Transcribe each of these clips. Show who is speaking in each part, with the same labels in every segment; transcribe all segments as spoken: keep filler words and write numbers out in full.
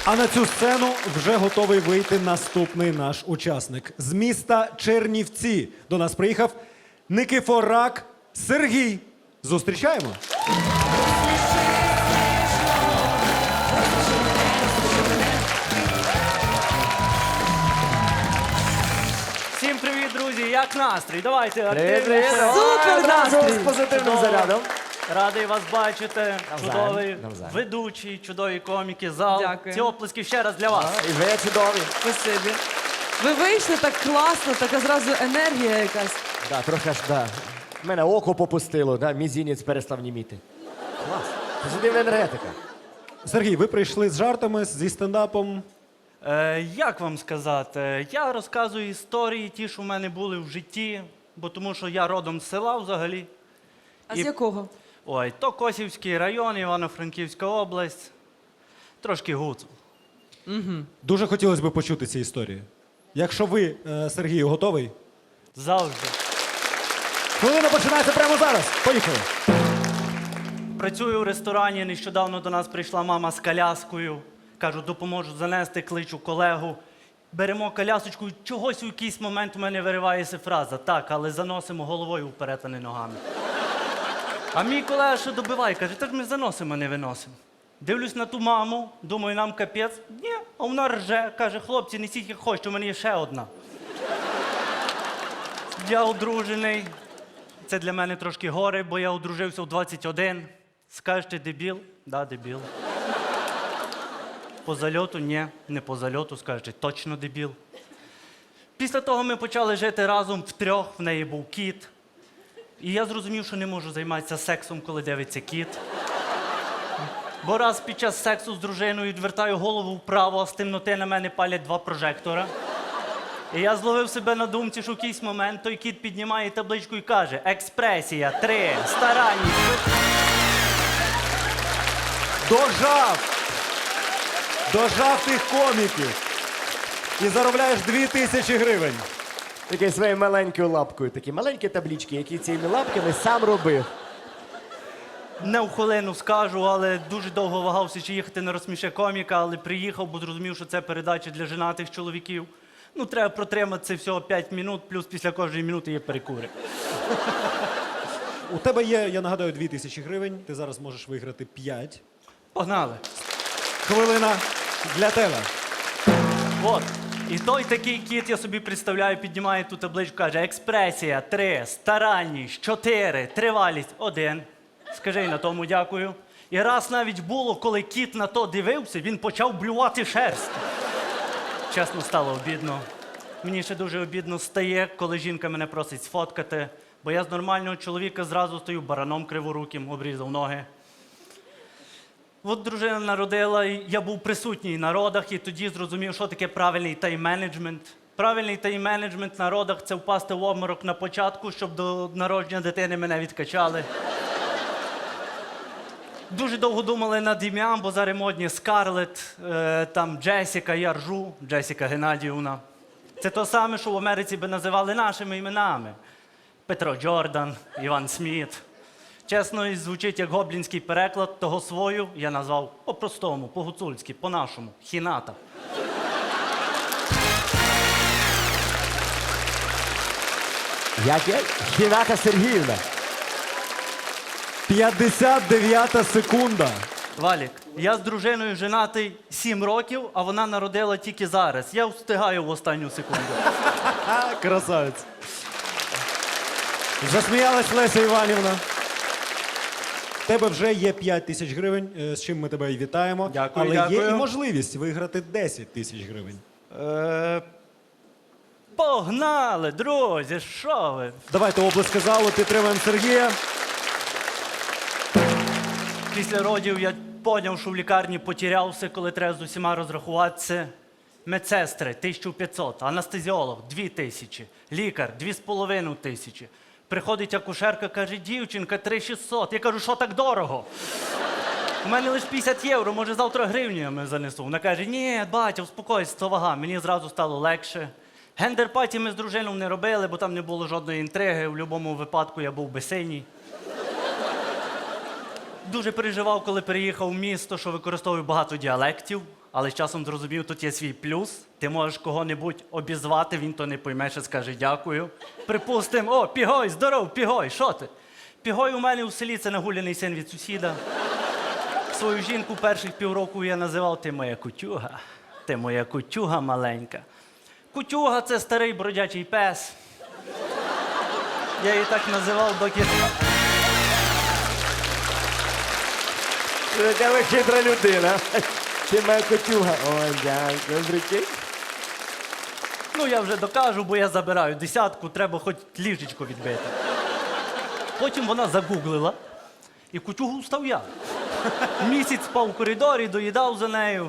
Speaker 1: А на цю сцену вже готовий вийти наступний наш учасник. З міста Чернівці до нас приїхав Никифорак Сергій. Зустрічаємо.
Speaker 2: Всім привіт, друзі! Як настрій? Давайте
Speaker 3: Привіт,
Speaker 2: активніше.
Speaker 3: Супер
Speaker 4: настрій!
Speaker 3: з позитивним
Speaker 2: Чудово.
Speaker 3: зарядом.
Speaker 2: Радий вас бачити.
Speaker 3: Навзаєм,
Speaker 2: Чудовий
Speaker 3: навзаєм.
Speaker 2: ведучий, чудові коміки, зал.
Speaker 4: Дякую.
Speaker 2: Ці оплески ще раз для вас.
Speaker 3: І ви чудові.
Speaker 4: Спасибі. Ви вийшли так класно, така зразу енергія якась.
Speaker 3: Да, трохи аж, да. Мене око попустило, да, мізінець перестав німіти. Клас. Позитивна енергетика.
Speaker 1: Сергій, ви прийшли з жартами, зі стендапом.
Speaker 2: Е, як вам сказати? Я розказую історії, ті, що в мене були в житті, бо тому що я родом з села взагалі.
Speaker 4: А
Speaker 2: І-
Speaker 4: з якого?
Speaker 2: Ой, то Косівський район, Івано-Франківська область. Трошки гуцул.
Speaker 1: Дуже хотілося б почути ці історії. Якщо ви, е, Сергію, готовий?
Speaker 2: Завжди.
Speaker 1: Хвилина починається прямо зараз. Поїхали.
Speaker 2: Працюю в ресторані, нещодавно до нас прийшла мама з коляскою. Кажу, допоможу занести, кличу колегу. Беремо колясочку, і чогось у якийсь момент у мене виривається фраза. Так, але заносимо головою вперед, а не ногами. А мій колега ще добиває, каже, так ми заносимо, а не виносимо. Дивлюсь на ту маму, думаю, нам капець. Ні, а вона рже, каже, хлопці, несіть як хочете, у мене є ще одна. Я одружений. Це для мене трошки горе, бо я одружився в двадцять один. Скажете, дебіл? Да, дебіл. По зальоту? Ні, не по зальоту, скажете, точно дебіл. Після того ми почали жити разом втрьох, в неї був кіт. І я зрозумів, що не можу займатися сексом, коли дивиться кіт. Бо раз під час сексу з дружиною відвертаю голову вправо, а з темноти на мене палять два прожектора. І я зловив себе на думці, що в якийсь момент той кіт піднімає табличку і каже: експресія, три, старанність.
Speaker 1: Дожав! Дожав тих коміків. І заробляєш дві тисячі гривень.
Speaker 3: Такий своєю маленькою лапкою. Такі маленькі таблички, які цими лапками сам робив.
Speaker 2: Не в хвилину скажу, але дуже довго вагався, чи їхати на розсміше коміка, але приїхав, бо зрозумів, що це передача для женатих чоловіків. Ну, треба протримати це всього п'ять минут, плюс після кожної минути є перекури.
Speaker 1: У тебе є, я нагадаю, дві тисячі гривень. Ти зараз можеш виграти п'ять.
Speaker 2: Погнали.
Speaker 1: Хвилина для тебе.
Speaker 2: От. І той такий кіт, я собі представляю, піднімає ту табличку, каже: експресія, три, старанність, чотири, тривалість, один. Скажи й на тому дякую. І раз навіть було, коли кіт на то дивився, він почав блювати шерсть. Чесно, стало обідно. Мені ще дуже обідно стає, коли жінка мене просить сфоткати, бо я з нормального чоловіка зразу стою бараном криворуким, обрізав ноги. От дружина народила, і я був присутній на родах, і тоді зрозумів, що таке правильний тайм-менеджмент. Правильний тайм-менеджмент на родах – це впасти в обморок на початку, щоб до народження дитини мене відкачали. Дуже довго думали над ім'ям, бо зараз модні Скарлетт, е, там Джесіка, я ржу, Джесіка Геннадіївна. Це то саме, що в Америці би називали нашими іменами. Петро Джордан, Іван Сміт. Чесно, і звучить як гоблінський переклад, того свою я назвав по-простому, по-гуцульськи, по-нашому, Хіната.
Speaker 3: Як я? Хіната Сергіївна.
Speaker 1: п'ятдесят дев'ята секунда.
Speaker 2: Валік, я з дружиною женатий сім років, а вона народила тільки зараз. Я встигаю в останню секунду.
Speaker 1: А, красавець. Засміялась Леся Іванівна. В тебе вже є п'ять тисяч гривень, е, з чим ми тебе і вітаємо.
Speaker 2: Дякую,
Speaker 1: Але є
Speaker 2: дякую.
Speaker 1: і можливість виграти десять тисяч гривень.
Speaker 2: Е, Погнали, друзі, що ви?
Speaker 1: Давайте оплески залу, підтримуємо Сергія.
Speaker 2: Після родів я поняв, що в лікарні потерявся, коли треба з усіма розрахуватися. Медсестри – тисяча п'ятсот, анестезіолог – дві тисячі, лікар – дві з половиною тисячі. Приходить акушерка, каже: дівчинка, три шістсот. Я кажу: що так дорого? У мене лише п'ятдесят євро, може завтра гривнями занесу. Вона каже: ні, батя, успокойся, то вага. Мені зразу стало легше. Гендер-паті ми з дружиною не робили, бо там не було жодної інтриги. В будь-якому випадку я був би синій. Дуже переживав, коли переїхав в місто, що використовую багато діалектів. Але з часом зрозумів, тут є свій плюс. Ти можеш кого-небудь обізвати, він то не пойме, ще скаже дякую. Припустимо, о, Пігой, здоров, Пігой, що ти? Пігой у мене у селі це нагуляний син від сусіда. Свою жінку перших півроку я називав ти моя кутюга. Ти моя кутюга маленька. Кутюга це старий бродячий пес. Я її так називав, доки.
Speaker 3: Яка ви хитра людина. Ти моя котюга. Ой, дякую, прикинь.
Speaker 2: Ну, я вже докажу, бо я забираю десятку, треба хоч ліжечко відбити. Потім вона загуглила, і кутюгу став я. Місяць спав у коридорі, доїдав за нею.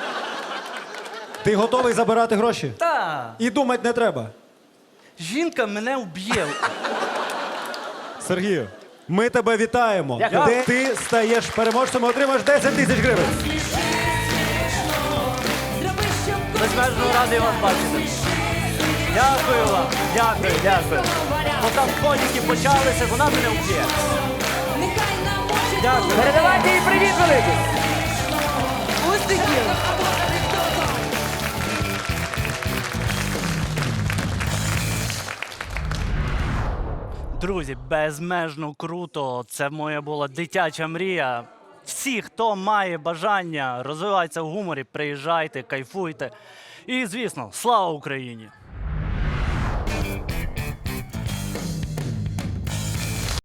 Speaker 1: Ти готовий забирати гроші?
Speaker 2: Та,
Speaker 1: І думати не треба.
Speaker 2: жінка мене вб'є.
Speaker 1: Сергію, ми тебе вітаємо.
Speaker 3: Дякую.
Speaker 1: Де ти стаєш переможцем і отримаєш десять тисяч гривень.
Speaker 2: Безмежно радий вас бачити. Дякую вам, дякую, дякую. Бо там коніки почалися, вона мене вб'є. Дякую.
Speaker 3: Передавайте їй привіт великий.
Speaker 4: Успіхів!
Speaker 2: Друзі, безмежно круто. Це моя була дитяча мрія. Всі, хто має бажання розвиватися в гуморі, приїжджайте, кайфуйте. І, звісно, слава Україні!